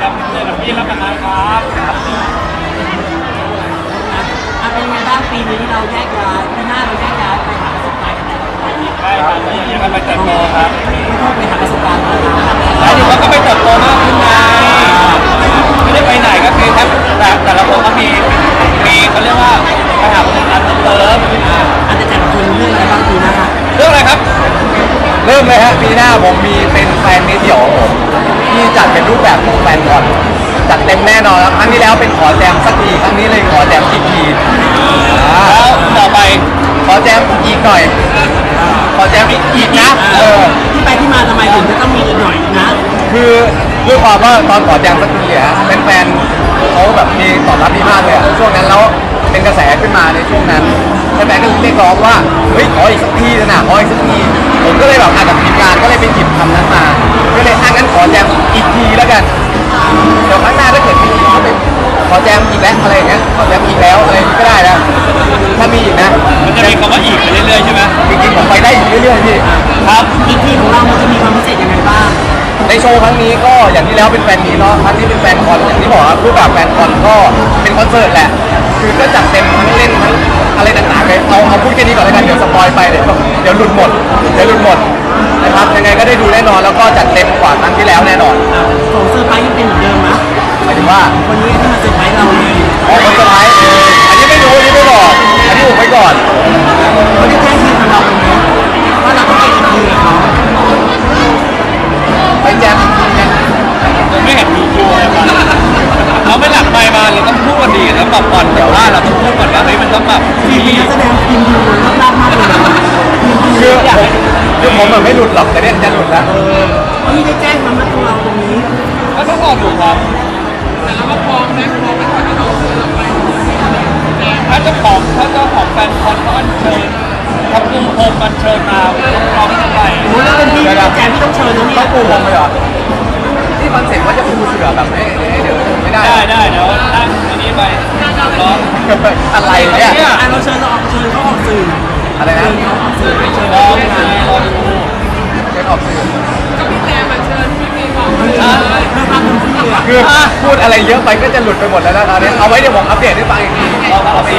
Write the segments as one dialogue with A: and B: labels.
A: ครับเจอกับพี่รับประทานครับ
B: เป็นยังไงบ้างปีนี้เราแยกย้ายปีหน้าเราแยกย้ายไปหาประสบการณ์กันแต่ละคน
A: ใช่ครับนี่ยังไปเติบโตครับ
B: ไม่ต้องไปหาประสบการณ์มา
A: หมายถึงว่าก็ไปเติบโตมากขึ้นไงไม่ได้ไปไหนก็คือแต่ละคนก็มีเขาเรียกว่าไปหาประสบการณ์เพิ่มเติม
B: อันแต่ละคนเรื่องอะไรบ้างปีหน้า
A: เรื่องอะไรครับ
C: เริ่มเลยฮะปีหน้าผมมีเป็นแฟนมิตรเดี่ยวของผมที่จัดเป็นรูปแบบของแฟนคอนจัดเต็มแน่นอนครับครั้งที่แล้วเป็นขอแจมสักทีครั้งนี้เลยขอแจมอีกที
A: แล้วต่อไป
C: ขอแจมอีกหน่อยขอแจมอีกนะ
B: ที่ไปที่มาทำไมถึงจะต้องมีอีกหน่อยนะ
C: คือด้วยความว่าตอนขอแจมสักทีอะเป็นแฟนเขาแบบมีตอบรับดีมากเลยช่วงนั้นแล้วเป็นกระแสขึ้นมาในช่วงนั้นแฟนๆก็เรียกร้องว่าเฮ้ยขออีกสักทีนะขออีกสักทีผมก็เลยแบบอ่านกับทีมงานก็เลยไปหยิบคำนั้นมาก็เลยงั้นขอแจมอีกทีแล้วกันเดี๋ยวครั้งหน้าถ้าเกิดมีอีกก็เป็นขอแจมอีกแล้วอะไรอย่างเงี้ยขอแจมอีกแล้วอะไรก็ได้นะถ้ามีอีกนะ
A: มันจะมีคำว่าอีกไปเรื่อยๆใช่ไหม
C: จริงๆผมไปได้อีกเรื่อยๆพี่
A: ครับ
B: อีกทีของเรามันจะมีความพิเศษยังไงบ้าง
C: ในโชว์ครั้งนี้ก็อย่างที่แล้วเป็นแฟนมีเนาะครั้งนี้เป็นแฟนคอนอย่างที่บอกครับรูปแบบแฟนคอนก็เป็นคอนเสิร์ตแหละคือก็จัดเต็มทั้งเล่นทั้งอะไรต่างๆเลยเอาพูดแค่นี้ก่อนแล้วกันเดี๋ยวสปอยไปเดี๋ยวหลุดหมดนะครับยังไงก็ได้ดูแน่นอนแล้วก็จัดเต็มกว่าครั้งที่แล้วแน่นอน
B: ของเซอร์ไพรส์ยังเป็นเหมือนเดิมนะ
C: หมายถึงว่า
B: วันนี้ที่มาเซอร์ไพรส์เราเลย
C: คนสไลด์อันนี้ไม่รู้อันนี้ไม่บอกอันนี้ผมไว้ก่อน
B: เขาได้แจ้งทีมของเราตรงนี้ว่าเราต้องไปอีกทีกับเขา
C: ไปแจมยัง
A: ผมไม่เห็นมีคิวเลยครับเราไม่หลักไปมาเราต้องพูดกันดีแล้วแบบก่อนแต่ว่าเราต้องพูดก่อนว่าเฮ้ยมันต้องแบบ
B: ทีมเป็นนักแสดงทีมดูรอบๆมากเลย
C: คือผมแบบไม่หลุดหรอกแต่เนี่ยจะหลุดแล้ว
B: เขาไม่ได้แจ้งมาเมื่อตัวเราตรงนี้
A: ก็ต้องรอดูครับ
B: แต่เราก็พร้อมนะพร้อมไปก่อนที่เราเสนอไป
A: ถ้าเจ้าของแฟนคอนเขาอัญเชิญทำกุ้งโฮมอัญเชิญมาพร้อมกันไป
B: โอ้แล้วเป็นพี่แจมที่ต้องเชิญนะเนี่ย
C: ต้องปูผมไปเหรอที่คอนเซ็ปต์ว่าจะปูเสือแบบไม่เดี๋ยวไม่ได้
A: ได้เดี๋ยวนั่งอันนี้ไปร้อง
C: อะไรเนี่ย
B: เราเชิญเขาออกสื่อ
C: อะไรนะ
A: ร้องดู
C: เชิญออกสื่อ
B: ก็พี่แจมเชิญพี่เมย์บอก
C: คือพูดอะไรเยอะไปก็จะหลุดไปหมดแล้วนะตอนนี้เอาไว้เดี๋ยวผมอัปเดตให้ฟังอีกที
A: เอาไป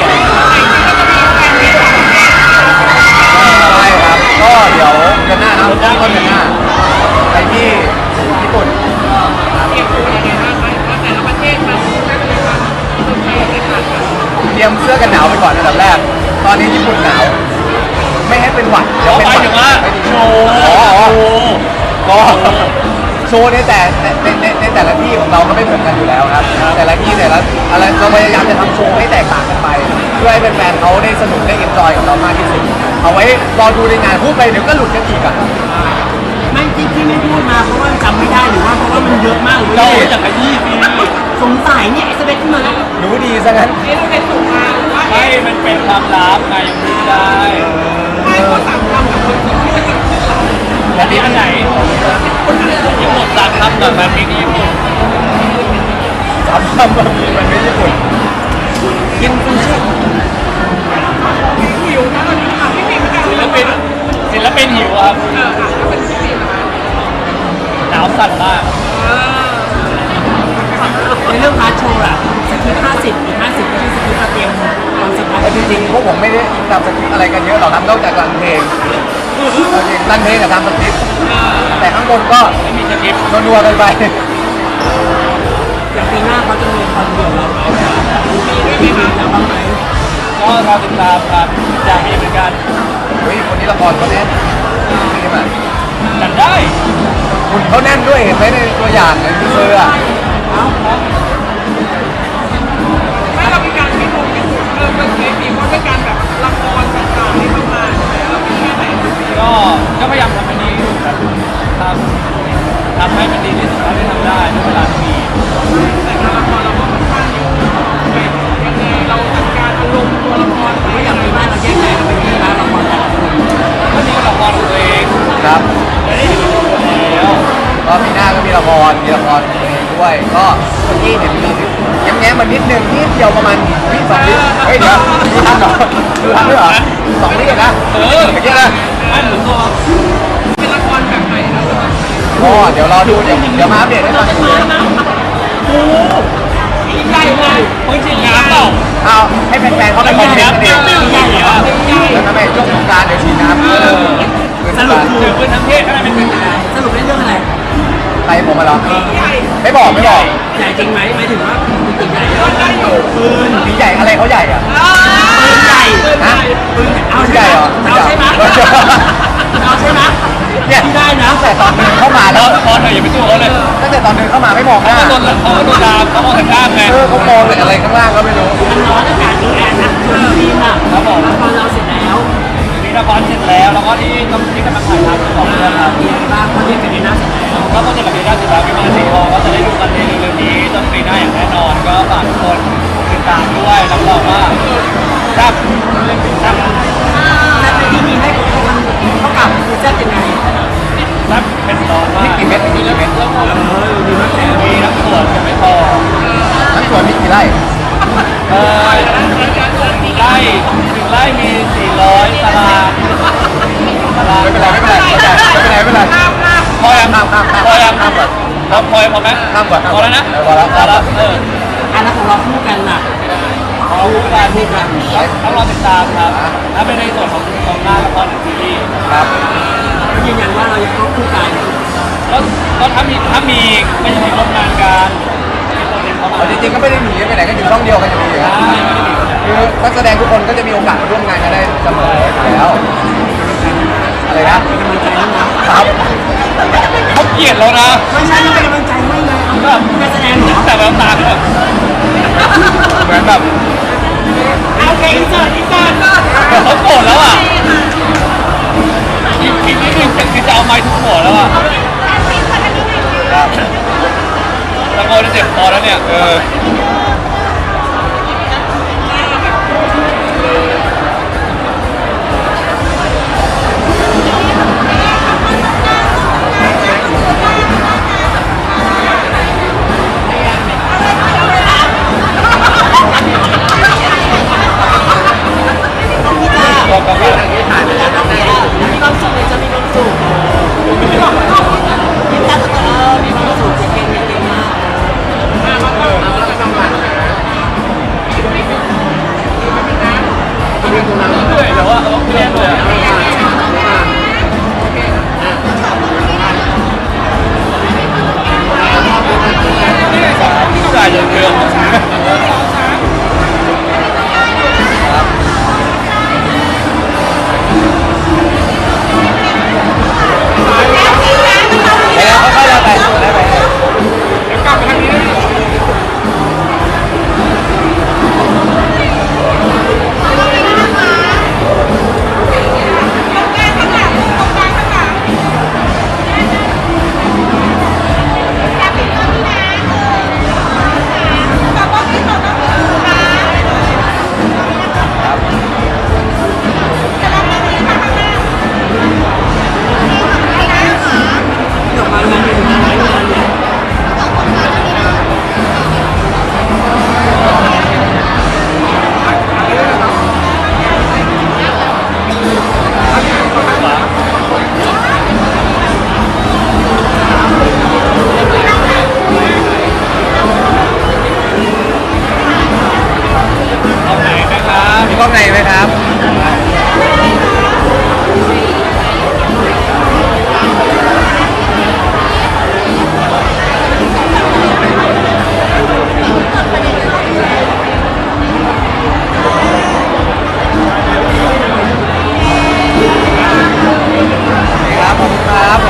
C: ใช่ครับก็เดี๋ยวเดือนหน้านะต้นเดือนหน้าไปที่ญี่ปุ่นเตรียมเสื้อกันหนาวไปก่อนอันดับแรกตอนนี้ญี่ปุ่นหนาวไม่ให้เป็นหวัด
A: เดี๋ยวเป็นหวัดโชว์
C: ก็โชว์ในแต่ละที่ของเราก็ไม่เหมือนกันอยู่แล้วครับแต่ละที่แต่ละอะไรเราพยายามจะทำโชว์ให้แตกต่างกันไปเพื่อให้แฟนๆเขาได้สนุกได้เอ็นจอยกับเรามากที่สุดเอาไว้รอดูในงานพูดไปเดี๋ยวก็หลุดกันอีกอ่ะ
B: ไม่จริงที่ไม่พูดมาเพราะว่าจำไม่ได้หรือว่าเพราะว่ามันเยอะมาก
A: เราอยากขยี้
B: สงสัยเนี่ยไอ้สเปคขึ้นมา
C: รู้ดีซะงั้น
B: เราเป็นสูงมาว่า
A: ไม่มันเป็นความลับไงไม่ได้
B: ไม่ก็สั่งทำกับคนที่ไม่ได้
A: แต่ที่อันไหนญี่ปุ่นสั่งทำแบบแบบนี้ญี่ปุ่น
C: ทำแบบนี้มันไม่ญี่ปุ่น
B: กินซูชิหิวนะตอนนี้ค่ะพี่เมย์ก็
A: ศิลปินหิวครับหนาวสั่นมาก
B: ในเรื่องพาร์ทโชว์อะสกิป50อีก50ก็คือสกิปเตรียมตอนสปอย
C: จริงๆพวกผมไม่ได้ทำสคริปต์อะไรกันเยอะหรอกครับนอกจากรันเพลงรันเพลงกับทำสคริปต์แต่ข้างบนก็
A: ไม่มีสคริปต์
C: นัวๆกันไป
B: อย่างปีหน้าเขาจะมีคอนเสิร์ตเราไหมมีไหมครับบ้างไหม
A: ก็รอติดตามครับอยากมีเหมือนกัน
C: เฮ้ยคนนี้ละครเขาแน่นนี่มัน
A: จัดได้
C: คุณเขาแน่นด้วยเห็นไหมในตัวอย่างในทีเซอร์อ่ะ
B: ไม่เรามีการที่ผมเป็นเคมีเพราะเป็นการแบบละครต่างๆที่เข้ามาแล้วมีแค่ไหน
A: ก็พยายามทำให้ดีทำให้มันดีที่สุดเท่าที่ทำได้ในเวลาที่มี
B: แต่การละครเราก็ค่อนข้างอยู่ยังไงเราจัดการอารมณ์ตัวละครไม่อย่างปีหน้าเราแยกแยะไปที่ร้านละครแต่ละคน
A: ก็นี่ก็ละครของตัวเอง
C: ครับ
A: ไม่ได้อยู่คนเดียว
C: ก็ปีหน้าก็มีละครตัวเองด้วยก็เมื่อกี้เห็นมีแง้มมันนิดนึงนิดเดียวประมาณวิสองวิเฮ้ยเดี๋ยวดูทันเหรอด้วยเหรอ2 วินะเมื่อกี้นะ
A: ไม่หรือตัว
B: เป็นละครแบบไหนเรา
C: ก็เดี๋ยวรอดูเดี๋ยวมาอัปเดตให้ฟังกัน
B: ยิ่งใหญ่เลย
A: มึงฉีดน้ำเปล่า
C: เอาให้แฟนๆเขาไปคอมเมนต์กันเอง
B: ยิ่งใหญ่เหรอยิ่งใหญ่
C: แล้วทำไมช่วงสงกรารเดี๋ยวฉีดน้ำ
B: สรุป
A: ถือปืนทั้งเทศให้มันเป็น
B: สรุปเล่นเรื่องอะไร
C: ใครผมมาเหรอไม่บอก
B: ใหญ่จริงไหมหมายถึงว่าจริงใหญ่ได้อยู่ปืน
C: สีใหญ่อะไรเขาใหญ่อะ
B: ปืนใหญ่
C: ฮะ
B: ปืนเอา
C: ใหญ่
B: ใช่ไห
C: เห
B: ม
C: รอ
B: เอาใช่ไหม
C: เนี่ย
B: ที่ได้นะ
C: ตั้งแต่ตอนเดินเข้ามา
A: แล้
C: แล้ว ว
A: พอเถอะอย่าไปสู้เขาเลย
C: ตั้งแต่ตอนเดินเข้ามาไม่มองหน้า
A: เขาโดนดามเขามองแต่ข้ามไง
C: เขามองแต่อะไรข้างล่างก็ไม่รู้
B: มันร้อนอากาศดูแอนนะทีมอ่ะ
A: ครับผม
B: ละครเราเสร็จแล้ว
A: มีละครเสร็จแล้วแล้วก็ที่กำลังถ่ายทำของเรื่องครับ
B: มีอะไรบ้างคนที่เป็นในหน้าเสร็จแล้ว
A: ก็ต้องจะกับปีหน้าสิบล้านวิมานสีทองก็จะได้ดูกันในเร็วๆนี้ต้นปีหน้าอย่างแน่นอนก็ฝากทุกคนติดตามด้วยรับรองว่าแซ่บแซ่บ
B: แล้วที่มีให้คนเท่ากับคือแซ่บยังไง
A: แซ่บเป็นร้อนมาก
C: กี่เม็ดกี่เม็ด
B: ดีมากแล้
A: มีน้ำส่วนจะไม่พอ
C: ทั้งสวนมีกี่ไร่
A: หนึ่งไร่มี400ตาราง
C: ไม่เป็นไรไม่เป็นไรเข้าใจไม่เป็นไรไม่เป็นไร
A: พอยัง
C: ข้าม
A: พอยัง
C: ข้ามก่อน
A: พอไหม
C: ข้ามก่อน
A: พอแล้วนะ
C: พอแล้ว
B: อันนั้นของเราคู่กันน่ะ
A: ขอรู้การพูดกันต้องรอติดตามครับถ้าเป็นในส่วนของหน้าละครหรือซีรีส์
C: ครับ
B: ยืนยันว่าเรายังต้องคู่กัน
A: ก็ถ้ามีไม่ใช่ร่วมงานกันมีโปรเจกต์เข้ามา
C: จริงๆก็ไม่ได้หนีไปไหนก็อยู่ช่องเดียวกันอยู่ดีครับคือนักแสดงทุกคนก็จะมีโอกาสมาร่วมงานกันได้เสมออยู่แล้วอะไรนะ
B: เป็นกำลังใจให้นะครับ
A: เขาเกลียดแล้วนะ
B: ไม่ใช่ไม่เป็นกำลังใจให้เลยเอาแบบการแสดงเหรอ
A: แต่แววตาเขาแบบเหมือนแบบ
B: โอเคอินเสิร์ต
A: เขาโกรธแล้วอ่ะอีกนิดนึงคือจะเอาไม้ทุบหัวแล้วอ่ะตะโกนจะเจ็บคอแล้วเนี่ยบอกกับว่า
B: มีความสุขเลยจะมีความสุขยิ้มตาตามีความสุขเก่งเก่งมาก
A: เหนื่อยแต่ว่าเขาเครียดเลยจ่ายอย่างเดียว
C: แล้วเขาก็จะไปได้ไป
A: กลับไปทางนี้ได้
B: ดอกไม้งานเป็นงานอะไรงานเนี่ย
A: เอาไหนไหมครับ
C: มีกล้องในไหมครับครับผมครับ